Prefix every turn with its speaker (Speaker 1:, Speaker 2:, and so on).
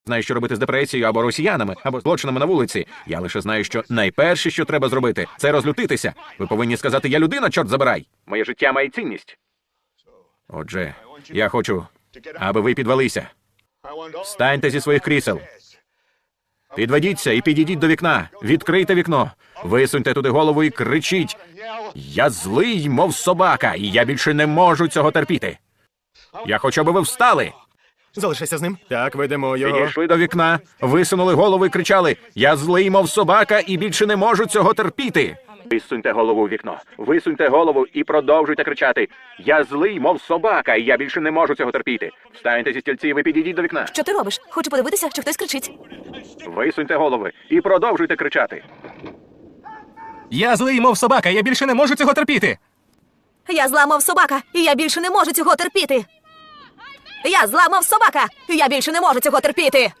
Speaker 1: знаю, що робити з депресією, або росіянами, або злочинами на вулиці. Я лише знаю, що найперше, що треба зробити, це розлютитися. Ви повинні сказати: я людина, чорт забирай. Моє життя має цінність. Отже, я хочу, аби ви підвелися. Встаньте зі своїх крісел. Підведіться і підійдіть до вікна. Відкрийте вікно. Висуньте туди голову і кричіть: я злий, мов собака, і я більше не можу цього терпіти. Я хочу, аби ви встали.
Speaker 2: Залишайся з ним. Так, ведемо його.
Speaker 1: Підійшли до вікна, висунули голову і кричали: я злий, мов собака, і більше не можу цього терпіти. Висуньте голову у вікно, висуньте голову і продовжуйте кричати: я злий, мов собака, і я більше не можу цього терпіти. Встаньте зі стільців і підійдіть до вікна.
Speaker 3: Що ти робиш? Хочу подивитися, чи хтось кричить.
Speaker 1: Висуньте голови і продовжуйте кричати.
Speaker 2: Я злий, мов собака, я більше не можу цього терпіти.
Speaker 3: Я зламав собака, і я більше не можу цього терпіти. Я зламав собака, і я більше не можу цього терпіти.